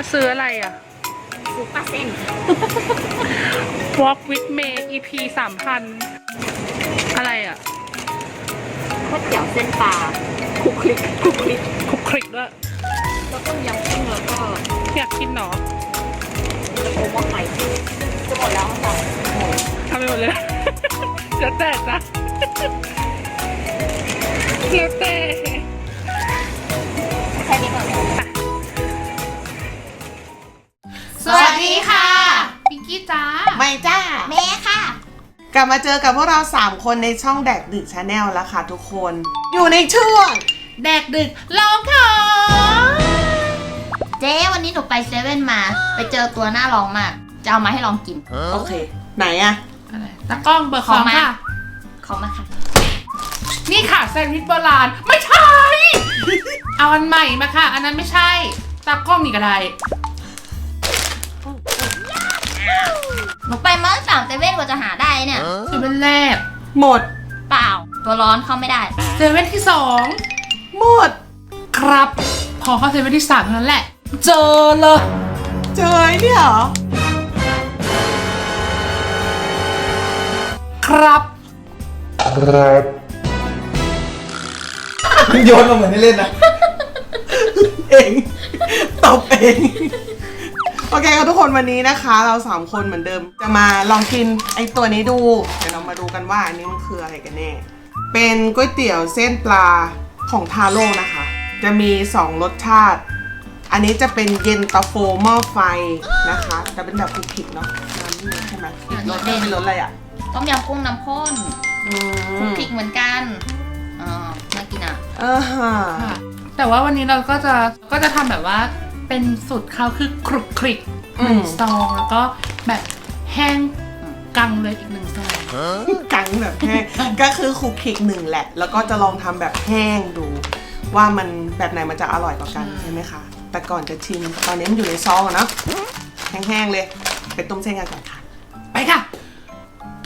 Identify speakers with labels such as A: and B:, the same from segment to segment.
A: ซื้ออะไรอ่ะ
B: ซุปปลาเส้น
A: Walk with May EP 3,000อะไรอ่ะ
B: ก๋วยเตี๋ยวเส้นปลาคลุกคลิกคลุกคลิก
A: คลุกคลิกด้วย
B: แล้วต้มยำกุ้งแล้วก็
A: อยากกินหนอ
B: จะโอว่าไข่จะหมดแล้วค่ะ
A: ทำไปหมดเลย แล้วแต่จ้ะแล้วแต่
B: แค่นี้ก่อน
C: สวัสดีค่ะพิงกี้จ้า
D: ไม่จ้า
B: แม่ค่ะ
D: กลับมาเจอกับพวกเรา 3 คนในช่องแดกดึกชาแนลแล้วค่ะทุกคน อยู่ในช่วง
C: แดกดึกลองของ
B: เจ๊วันนี้หนูไปเซเว่นมาไปเจอตัวน่าลองมากจะเอามาให้ลองกิน
D: โอเค ไหนอะ
C: อะไรตากล้องเบอร์ของค่ะ
B: เขามาค่ะ
C: นี่ค่ะแซนด์วิชโบราณไม่ใช่ เอาอันใหม่มาค่ะ อันนั้นไม่ใช่ตากล้องนี่ก็ได้
B: หนูไปมาตั้ง3เซเว่นกว่าจะหาได้เนี่ย
C: เซเว่นแรก
D: หมด
B: เปล่าตัวร้อนเข้าไม่ได้
C: เซเว่นที่สอง
D: หมด
C: ครับ พอเข้าเซเว่นที่สามเท่านั้นแหละ เจอเลย
D: เจอไอ้เนี่ยเหรอ
C: ครับ
D: โยนมาเหมือนให้เล่นนะ เองตบเอง โอเคครับทุกคนวันนี้นะคะ เรา3คนเหมือนเดิม จะมาลองกินไอ้ตัวนี้ดู เดี๋ยวเรามาดูกันว่าอันนี้มันคืออะไรกันแน่ เป็นก๋วยเตี๋ยวเส้นปลาของทาโร่นะคะ จะมี2รสชาติ อันนี้จะเป็นเย็นตาโฟหม้อไฟนะคะจะเป็นแบบคลุกคลิกเนาะน้ำนี่ใช่ไหมอีกรสเป็นรสอะไรอ่ะ
B: ต้มยำกุ้งน้ำข้นคลุกคลิกเหมือนกันน่ากินอ่ะ
C: ค่ะแต่ว่าวันนี้เราก็จะทำแบบว่าเป็นสูตรเขาคือคลุกคลิก1 ซองแล้วก็แบบแห้งกังเลยอีก1 ซอง
D: กังแบบแห้ง ก็คือคลุกคลิกหนึ่งแหละ แล้วก็จะลองทำแบบแห้งดู ว่ามันแบบไหนมันจะอร่อยกว่ากันใช่ไหมคะ แต่ก่อนจะชิมตอนนี้มันอยู่ในซองอะเนาะแห้งๆเลยไปต้มเส้นกันก่อนค่ะ
C: ไปค่ะ ไป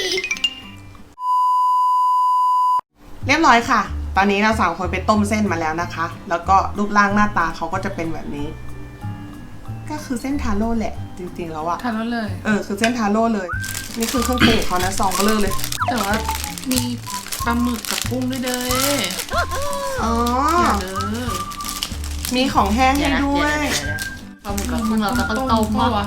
D: เรียบร้อยค่ะ ตอนนี้เรา3คนไปต้มเส้นมาแล้วนะคะ แล้วก็รูปร่างหน้าตาเขาก็จะเป็นแบบนี้ ก็คือเส้นทาโร่แหละ จริงๆแล้วอะ
C: ทานแล้วเลย
D: คือเส้นทาโร่เลย นี่คือเครื่องปรุงของเขานะซองเบลอเลย
C: แต่ว่ามีปลาหมึกกับกุ้งด้วยเด้อ
D: อ๋อ
C: อย่าเด้อ
D: มีของแห้งให้ด้วย
B: ปลาหมึกกับกุ้งเราก็ต้องต้ม
C: ปะวะ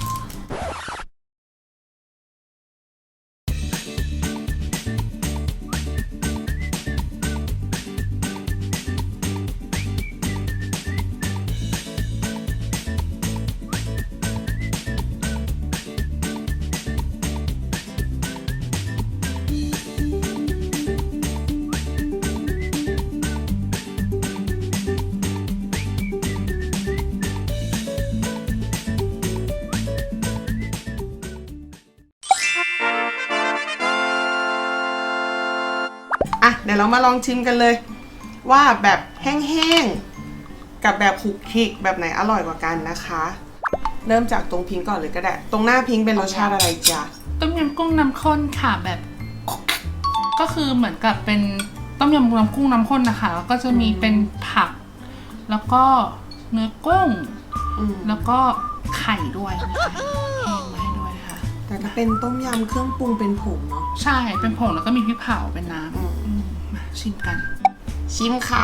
D: อ่ะเดี๋ยวเรามาลองชิมกันเลย ว่าแบบแห้งๆกับแบบคลุกคลิกแบบไหนอร่อยกว่ากันนะคะ เริ่มจากตรงพิงก่อนเลยก็ได้ ตรงหน้าพิงเป็นรสชาติอะไรจ๊ะ
C: ต้มยำกุ้งน้ำข้นค่ะแบบก็คือเหมือนกับเป็นต้มยำกุ้งน้ำข้นนะคะแล้วก็จะมีเป็นผัก แล้วก็เนื้อกุ้ง แล้วก็ไข่ด้วยนะคะแห้งมาให้ด้วยค่ะ
D: แต่ถ้าเป็นต้มยำเครื่องปรุงเป็นผงเนาะ
C: ใช่ เป็นผงแล้วก็มีพริกเผาเป็นน้ำมาชิมกัน
D: ชิมค่ะ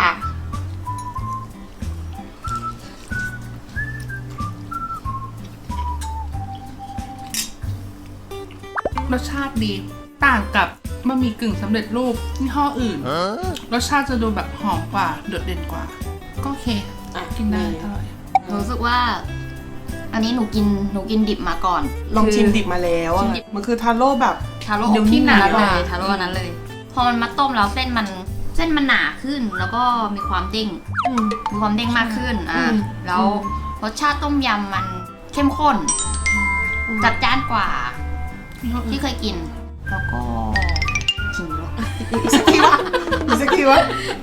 C: รสชาติดี ต่างกับบะหมี่กึ่งสำเร็จรูปยี่ห้ออื่น รสชาติจะดูแบบหอมกว่า โดดเด่นกว่า ก็โอเค กินได้อร่อย
B: รู้สึกว่า อันนี้หนูกินดิบมาก่อน
D: ลองชิมดิบมาแล้วอะ
B: ชิมดิบ
D: มันคือทาโร่แบบ
B: ทาโร่
C: เดี๋ยวที่หนา
B: เลยทาโร่อันนั้นเลย พอมันมาต้มแล้วเส้นมันหนาขึ้น แล้วก็มีความเด้งมากขึ้นแล้วรสชาติต้มยำมันเข้มข้น จัดจ้านกว่า
C: ยี่ห้ออื่
B: ที่
C: น
B: เคยกิน แล้วก็กินแล้ว
D: อีกสักทีวะอีกสักทีวะ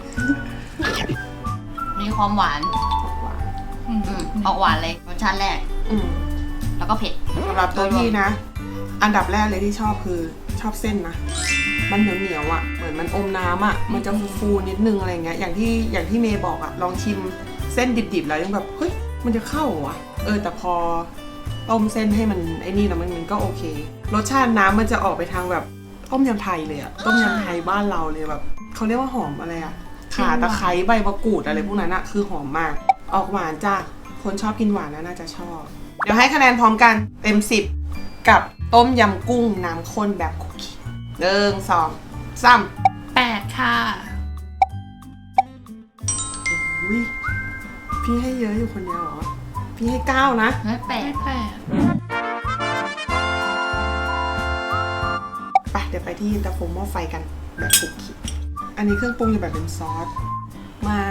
B: มีความหวาน ออกหวานเลยรสชาติแรก
D: อืม
B: แล้วก็เผ็ด
D: สำหรับตัวพี่นะ อันดับแรกเลยที่ชอบคือชอบเส้นนะ มันเหนียวๆอ่ะ เหมือนมันอมน้ำอ่ะ มันจะฟูๆนิดนึงอะไรเงี้ย อย่างที่เมย์บอกอ่ะ ลองชิมเส้นดิบๆแล้วยังแบบ เฮ้ย มันจะเข้าเหรอวะแต่พอต้มเส้นให้มันไอ้นี่แล้วมันก็โอเครสชาติน้ำมันจะออกไปทางแบบต้มยำไทยเลยอะต้มยำไทยบ้านเราเลยแบบเขาเรียกว่าหอมอะไรอะข่าตะไคร้ใบมะกรูดอะไรพวกนั้นอะคือหอมมากออกหวานจ้ะคนชอบกินหวานน่าจะชอบเดี๋ยวให้คะแนนพร้อมกันเต็ม10กับต้มยำกุ้งน้ำข้นแบบคุกกี้1 2 3
C: 8 ค่ะ
D: อุ้ยพี่ให้เยอะอยู่คนเดียวเหรอพี่ให้9นะ
B: ไม่แปล
C: ไม่
B: ก
C: 8
D: ไปเดี๋ยวไปที่เย็นตาโฟหม้อไฟกันแบบคุกกี้อันนี้เครื่องปรุงอยู่แบบเป็นซอสมา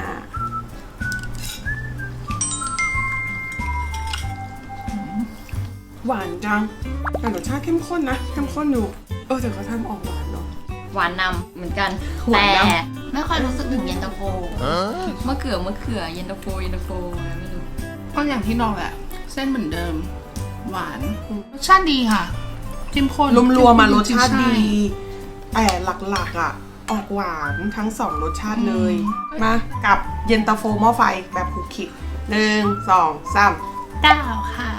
D: หวานจังแต่รสชาติเข้มข้นนะเข้มข้นอยู่แต่เขาทำออกหวานเนาะ
B: หวานนำเหมือนกัน
D: หวา
B: แต่
D: นน
B: ไม่ค่อยรู้สึกถึงเย็นตาโฟมะเขือเย็นตาโฟอะไรไม่รู้
C: ก็อย่างที่บอกแหละเส้นเหมือนเดิม หวานรสชาติดีค่ะเข้มข้น
D: รวมๆมารสชาติ
C: ใ
D: ดีแต่หลักๆอ่ะออกหวานทั้ง2รสชาติเลยมากับเย็นตาโฟหม้อไฟแบบคุกกี้1 2 3
C: 9 ค่ะ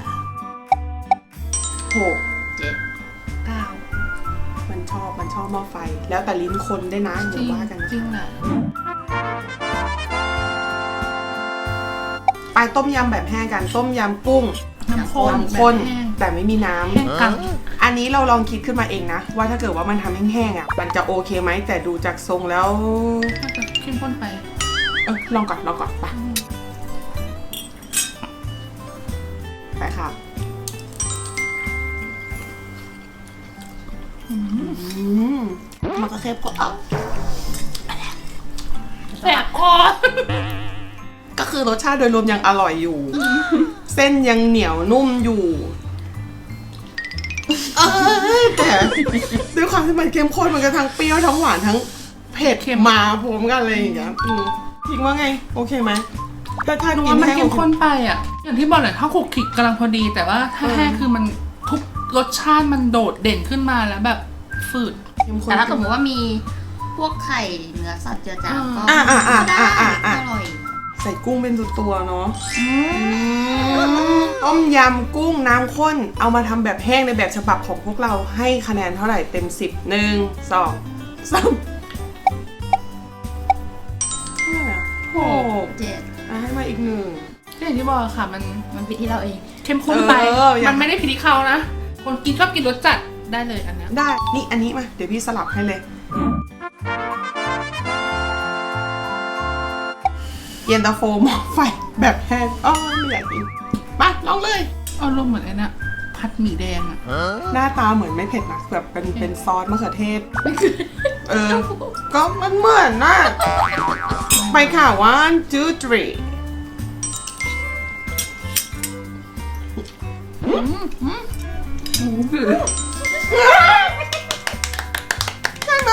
D: 6
B: 7
C: 9
D: มันชอบหม้อไฟ แล้วแต่ลิ้นคนได้นะ
C: จ
D: เดี๋
C: ริ
D: ยว
C: ง
D: ว่ากัน
C: จริงแหละ
D: ไปต้มยำแบบแห้งกันต้มยำกุ้ง
C: น้ำข้น
D: น้ำข้น
C: แบบแห้ง
D: แต่ไม่มีน้ำ
C: แห้งกัง
D: อันนี้เราลองคิดขึ้นมาเองนะ ว่าถ้าเกิดว่ามันทำแห้งๆอ่ะมันจะโอเคไหมแต่ดูจากทรงแล้ว
C: น่าจะเข้มข้นไป
D: ลองก่อนไปค่ะมันก็แค่ก็
C: แสบคอ
D: ก็คือรสชาติโดยรวมยังอร่อยอยู่ เส้นยังเหนียวนุ่มอยู่แต่ด้วยความที่มันเข้มข้นมันก็ทั้งเปรี้ยวทั้งหวานทั้งเผ็ดมาพร้อมกันเลยอย่างเงี้ยคิดว่าไงโอเคไหมถ้า
C: หนู
D: กิน
C: ว่ามัน
D: แห้ง
C: เข้มข้นไปอ่ะ อย่างที่บอกแหละถ้าคลุกคลิกกำลังพอดี แต่ว่าถ้าแห้งคือมันทุกรสชาติมันโดดเด่นขึ้นมาแล้วแบบฝืด
D: เข้มข้น
B: แต่ถ้าสมมติว่ามีพวกไข่เนื้อสัตว์เจือจางก็
D: อ่า
B: ได้อร่อย
D: ใส่กุ้งเป็นตัวเนาะต้มยำกุ้งน้ำข้นเอามาทำแบบแห้งในแบบฉบับของพวกเราให้คะแนนเท่าไหร่เต็ม10 1 2 3 6
B: 7
D: ให้มาอีก1
C: ก็อย่างที่บอกค่ะมัน
B: มันผิดที่เราเอง
C: เข้มข้นไป
D: อย่าง
C: มันไม่ได้ผิดที่เขานะ คนกินชอบกินรสจัดได้เลยอันเนี้ย
D: ได้นี่อันนี้มาเดี๋ยวพี่สลับให้เลยเย็นตาโฟหม้อไฟแบบแห้งไม่อยากกินมาลองเลย
C: เอารมณ์เหมือนไอ้น่ะผัดหมี่แดงอ่ะ
D: หน้าตาเหมือนไม่เผ็ดนะแบบเป็นซอสมะเขือเทศก็มันเหมือนน่ะไปค่ะ1 2 3ใช่ไหม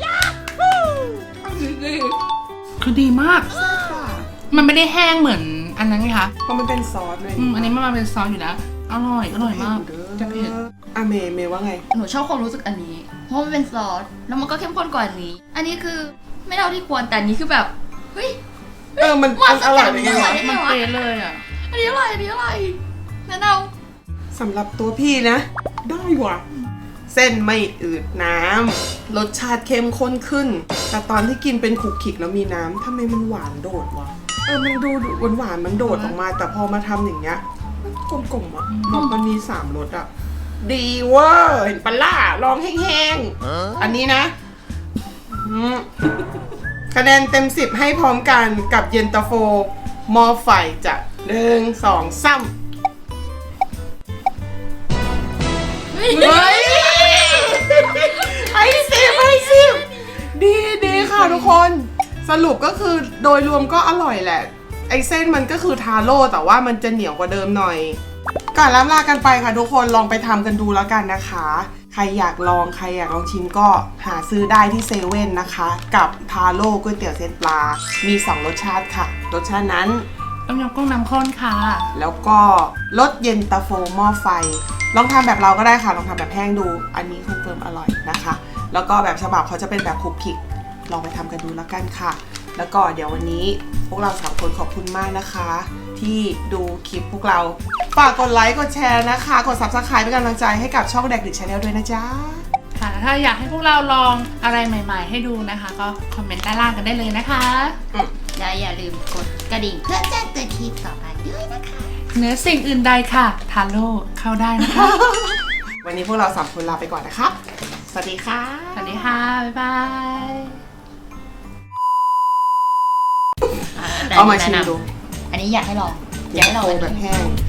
C: คือดีมาก มันไม่ได้แห้งเหมือนอันนั้นไงคะ
D: เพราะมันเป็นซอสเลย
C: อันนี้มันมาเป็นซอสอยู่แล้ว อร่อยมากจะเผ็ด
D: เมย์ว่าไง
B: หนูชอบความรู้สึกอันนี้ เพราะมันเป็นซอส แล้วมันก็เข้มข้นกว่าอันนี้ อันนี้คือไม่เท่าที่ควร แต่อันนี้คือแบบ เฮ้ย
D: มันอร่อยได้ไงวะ
C: มันเป๊ะเลยอ่ะ
B: อันนี้อร่อยแนะน
D: สำหรับตัวพี่นะ ได้ว่ะ เส้นไม่อืดน้ำรสชาติเข้มข้นขึ้น แต่ตอนที่กินเป็นขุกขิกแล้วมีน้ำทำไมมันหวานโดดวะมันดูหวานมันโดดออกมา แต่พอมาทำอย่างเงี้ยมันกลมๆอ่ะมันมี3รสอ่ะดีเวอร์เห็นปะล่ะลองแห้งๆอันนี้นะคะแนนเต็ม10ให้พร้อมกันกับเย็นตาโฟหม้อไฟจ้ะ1 2 3
B: ำ
D: เฮ้ยให้10ดีค่ะทุกคนสรุปก็คือโดยรวมก็อร่อยแหละไอเส้นมันก็คือทาโร่แต่ว่ามันจะเหนียวกว่าเดิมหน่อยก่อนล่ำลากันไปค่ะทุกคนลองไปทำกันดูแล้วกันนะคะใครอยากลองชิมก็หาซื้อได้ที่เซเว่นนะคะกับทาโร่ก๋วยเตี๋ยวเส้นปลามี2รสชาติค่ะรสชาตินั้น
C: ต้มยำกุ้งน้ำข้นค่ะ
D: แล้วก็รสเย็นตาโฟหม้อไฟลองทำแบบเราก็ได้ค่ะลองทำแบบแห้งดูอันนี้คอนเฟิร์มอร่อยนะคะแล้วก็แบบฉบับเขาจะเป็นแบบคุกคิกลองไปทำกันดูแล้วกันค่ะแล้วก็เดี๋ยววันนี้พวกเรา3 คนขอบคุณมากนะคะที่ดูคลิปพวกเราฝากกดไลค์กดแชร์นะคะกด Subscribe เป็นกำลังใจให้กับช่องแดกดิชแนลด้วยนะจ๊ะ
C: ค่ะถ้าอยากให้พวกเราลองอะไรใหม่ๆให้ดูนะคะ ก็คอมเมนต์ด้านล่างกันได้เลยนะคะ
B: และอย่าลืมกดกระดิ่งเพื่อแจ้งเตือนคลิปต่อไปด้วยนะคะ
C: เหนือสิ่งอื่นใดค่ะทาโร่เข้าได้นะคะ
D: วันนี้พวกเรา3คนลาไปก่อนนะครับ สวัสดีค่ะ
C: สวัสดีค่ะ บ๊ายบาย
D: เอามาชิมดู
B: อันนี้อยากให้ลองอยากให้ลอง
D: โค
B: อัน
D: แบบ
B: นี้
D: แห้ง